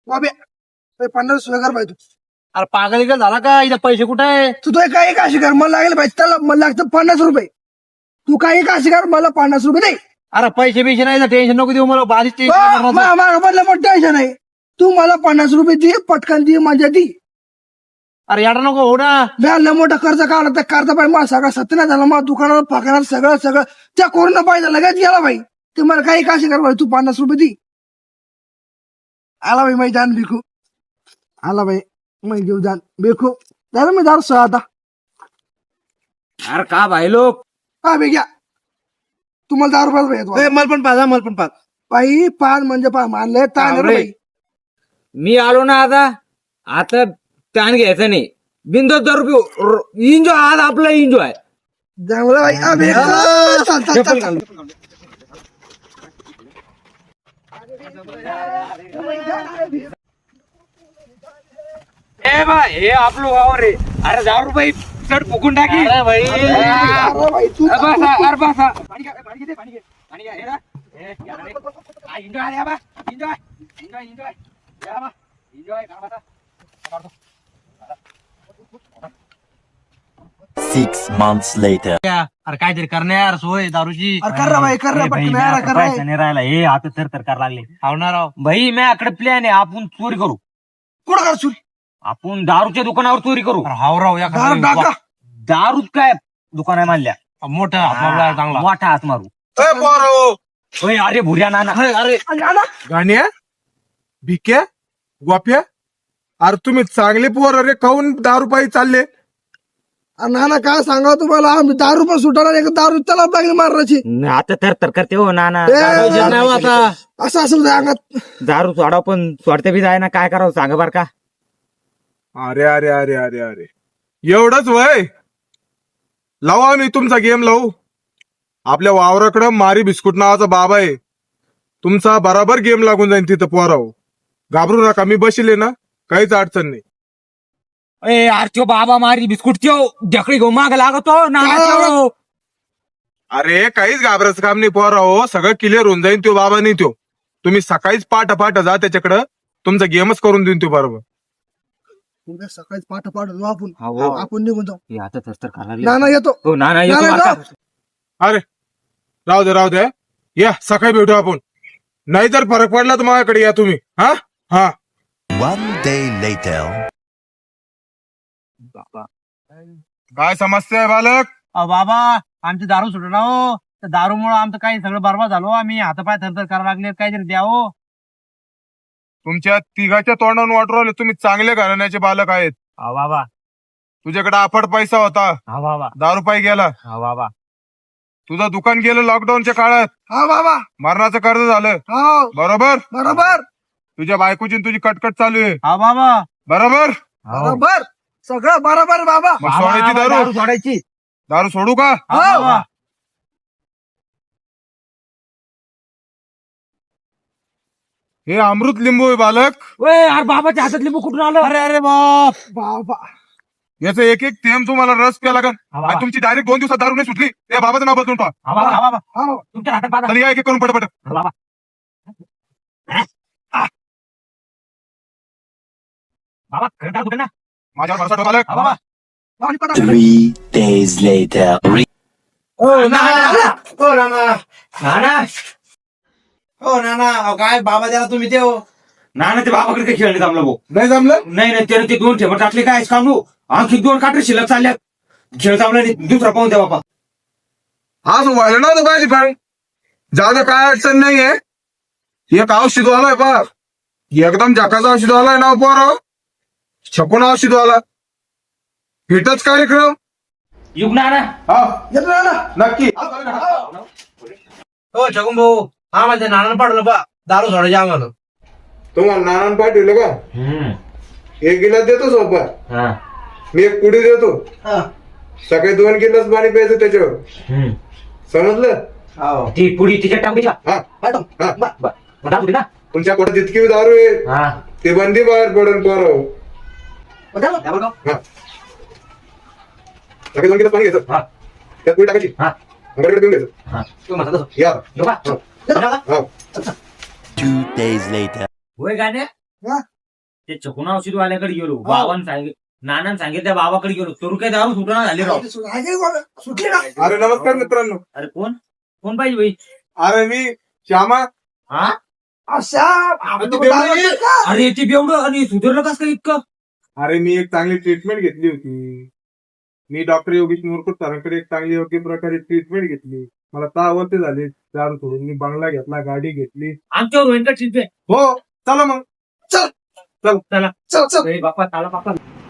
बाबे 50 कर भाई तू. अरे पागल इकडे झाला का इथं पैसे कुठे आहे? तू तो काही काशी कर मला लागेल पाहिजे त्याला मला लागतं 50 रुपये. तू काही काशी कर मला 50 रुपये दे. अरे पैसे बिशे नाही टेन्शन नको देऊ मला बारीक मला मोठं टेन्शन आहे. तू मला 50 रुपये दे पटकन दे माझ्या दी. अरे याडा नको हो ना. लय मोठा कर्ज काढला त्या कर्ज पाहिजे मला सगळा सत्य झाला मला दुकानावर फाकणार सगळं त्या कोरोना पाहिजे लगेच गेला भाई. ते मला काही काशी कर भाई तू 50 रुपये दी. आला भाई मैं जान भिकू आला भाई मैं घेऊ जान भिकू दादा मी दारू सह आता. अरे का भाई लोक हा बे घ्या तुम्हाला 10 रुपये भेटतो मला पण पाच बाई 5 म्हणजे 5 मानले ताण रे बाई. मी आलो ना आता ताण घ्यायचं नाही. बिंदू 10 रुपये एन्जॉय आज आपला एन्जॉय. चांगलं बाई अबे चल ए बा हे आपलं वावर रे. अरे 10 रुपये चढ फुकून टाकी. अरे भाई अरे बाई तू अरे बसा पाणी घ्या हे ना. एन्जॉय आले बा एन्जॉय 6 months later. अरे काहीतरी करणार सोय दारूची. अरे कर रे बाई कर रे पटकन यार कर रे. नाही राहिला हे आता तर करायला लागले. हावणार भाई माझ्याकडे प्लॅन आहे. आपण चोरी करू. कुठं कर चोरी आपण दारूच्या दुकानावर चोरी करू. हावराव या दारू टाका दारूच काय दुकान आहे मानल्या. मोठा हात मारला चांगला. मोठा हात मारू. होय अरे भुऱ्या नाना. अरे गाण्या भिक्या गोप्या अरे तुम्ही चांगले पोर अरे खाऊन 10 रुपये चालले. नाना काय सांगा तुम्हाला आम्ही 10 रुपये सुटायला एक दारू त्याला लागली मारण्याची. आता तर करते हो नाना. नाही आता असं असं अंगात दारू सोडा पण सोडते बी जाय ना. काय करावं सांगा बर का. अरे अरे अरे अरे अरे एवढंच वय लावा आम्ही तुमचा गेम लावू. आपल्या वावराकडं मारी बिस्कुट नावाचा बाबा आहे. तुमचा बराबर गेम लागून जाईल तिथं पोराव. घाबरू नका मी बसले ना काहीच अडचण नाही. ए यार त्यो बाबा मारी बिस्कुट त्यो ढकडी घेऊन माग लागतो नाना त्यो. अरे काहीच घाबरायचं काम नाही पोराव. सगळं क्लिअर होऊन जाईल. त्यो बाबा नाही त्यो. तुम्ही सकाळीच पाठ जा त्याच्याकडं. तुमचा गेमच करून देईन तो बरोबर. उद्या सकाळी पाठ जाऊ आपण हो. आपण निघून जाऊ. हे आता तर करायला नाना येतो हो नाना येतो नाना आता. येतो. अरे राहू दे या सकाळी भेटू आपण. नाही जर फरक पडला तर माझ्याकडे या तुम्ही. हा हा 1 day later. काय समस्या आहे बालक. बाबा आमची दारू सुटणार हो. त्या दारूमुळे आमचं काही सगळं बरबाद झालो. आम्ही हातापाय थरथर करायला लागले. काहीतरी द्या हो. तुमच्या तिघाच्या तोंडावरून वाटू राहिले तुम्ही चांगले घराण्याचे बालक आहेत. हा बाबा तुझ्याकडे अफाट पैसा होता. हा बाबा 10 रुपये गेला. हा बाबा तुझं दुकान गेलं लॉकडाऊनच्या काळात. हा बाबा मरणाचं कर्ज झालं हो बरोबर. बरोबर तुझ्या बायकोची आणि तुझी कटकट चालू आहे हा बाबा बरोबर. बरोबर सगळं बरोबर बाबा. मग सोडायची दारू. सोडायची. दारू सोडू का. हा बाबा हे अमृत लिंबू आहे बालक. अरे बाबाच्या हातात लिंबू कुठून आलं. अरे अरे बाप बाबा याचं एक एक थेंब तुम्हाला रस प्या लागल. बाबा. आणि तुमची डायरेक्ट 2 दिवसात दारू नाही सुटली त्या बाबाचं नाव बदलून पहा. हा बाबा हा बाबा हा बाबा तुमच्या हातात बाबा. तर या एक एक करून पटपट. हा बाबा बाबा खरं दारू कुठे ना. माझ्यावर भरोसा ठेव बालक. हा बाबा 3 days later. हो नाना काय बाबा द्याला तुम्ही ते हो. नाना ते बाबाकडे काही खेळणे जमलं भाऊ. नाही जमलं. नाही त्याने ते 2 ठेवट टाकले काय काढू. आणखी 2 काटे शिल्लक चालल्यात. खेळ जमला नाही. दुसरा पाहून द्या बाबा. आज व्हायला नव्हतं पाहिजे पण जादा काय अडचण नाहीये. एक औषधवाला आहे पा एकदम जकाचा औषधवाला आहे ना पोराव. छकून औषधवाला हिटच कार्यक्रम. युग नाना हा येतो नाना. नक्की. हो छगन भाऊ हा माझ्या नानानं पाडलं बा दारू सोडायची आम्हाला. तुम्हाला नानान पाठवलं का. एक गिलास देतो सोबत. हा मी एक पुडी देतो. हा. सकाळी 2 गिलास पाणी प्यायचं त्याच्यावर. समजलं. ती पुढी तिच्या टाकूया. हा पाठव. हा टाकू ना. तुमच्या पोटात जितकी दारू आहे हा ते बंदी बाहेर पडेल पोराव. पाठव. हा सकाळी 2 गिलास पाणी घ्यायचं. हा. त्यात पुडी टाकायची. हा. अंगाकडे घेऊन घ्यायचं. हा तू म्हणता तसं. या बघा. हा 2 days later. होय गाण्या हा. ते छकून औषधवाल्याकडे गेलो बाबांनी सांगितलं नानांनी सांगितलं त्या बाबाकडे गेलो तरू काय दारू सुटणार झाले राव. सुटली ना. अरे नमस्कार मित्रांनो. अरे कोण कोण पाहिजे बाई? अरे मी श्यामा. हा अशा आपण तू तो दारू बेवडी. का? अरे ते बेवडं आणि सुधारलं कस काय इतकं? अरे मी एक चांगली ट्रीटमेंट घेतली होती. मी डॉक्टर योगेश मोरकुट सरांकडे एक चांगली योग्य प्रकारे ट्रीटमेंट घेतली. मला 6 वर्ष झाले दारू सोडून. मी बंगला घेतला, गाडी घेतली. आमच्यावर होईल का ट्रीटमेंट? हो चला मग. चला चल चल. ए बाप्पा चला बाप्पा.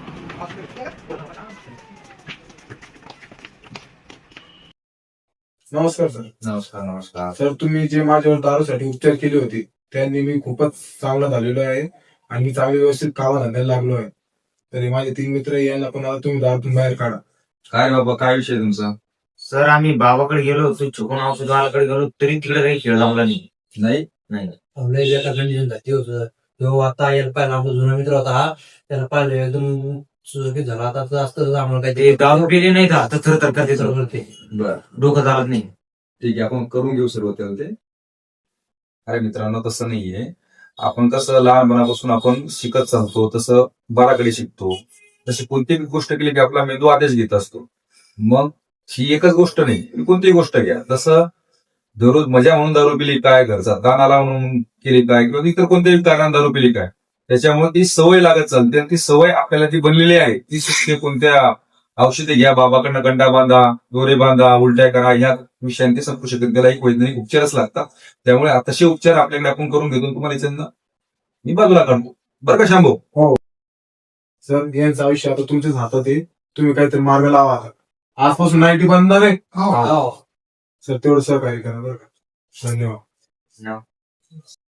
नमस्कार सर. नमस्कार. सर तुम्ही जे माझ्यावर दारूसाठी उपचार केले होते त्यांनी मी खूपच चांगला झालेलो आहे आणि मी चांगले व्यवस्थित कामा धंद्याला लागलो आहे. तरी माझे 3 मित्र यांना पण आता तुम्ही दारूतून बाहेर काढा. काय रे बाबा, काय विषय तुमचा? सर आम्ही बाबाकडे गेलो होतो छकून औषधवाल्याकडे गेलो तरी तिकडे काही खेळ जमला नाही. नाही लय बेकार कंडिशन झाली होतं. तो आता यायला पाहिला आपला जुना मित्र होता हा. त्याला पाहिलं एकदम सुरक्षित झाला. आता जास्त आम्हाला ते काही दारू पिले नाही तर आता थर करते बर, डोकं चालत नाही. ठीक आहे, आपण करून घेऊ सुरुवात ते. अरे मित्रांनो, तसं नाहीये. आपण कसं लहानपणापासून आपण शिकत चालतो तसं बाराकडे शिकतो. तशी कोणतीही गोष्ट केली की आपला मेंदू आदेश घेत असतो. मग ही एकच गोष्ट नाही, तुम्ही कोणतीही गोष्ट घ्या. तसं दररोज मजा म्हणून दारू पिली काय, घरचा ताण आला म्हणून केली काय, किंवा इतर कोणत्याही कारणाने दारू पिली काय, त्याच्यामुळे ती सवय लागत चालते. आणि ती सवय आपल्याला जी बनलेली आहे ती सुटते. कोणत्या औषधे घ्या, बाबाकडनं गंडा बांधा, दोरे बांधा, उलट्या करा, ह्या विषयांनी संपू शकत. त्याला एक वैज्ञानिक उपचारच लागतात. त्यामुळे तसे उपचार आपल्याकडे आपण करून घेतो. तुम्हाला याच्यानं मी बाजूला काढतो बरं का शांभो. सर यांचं आयुष्य आता तुमच्याच हातात आहे. तुम्ही काहीतरी मार्ग लावा. आजपासून 90 बंद आहे. हो. सर तेवढं सहकार्य करा बरं का. धन्यवाद.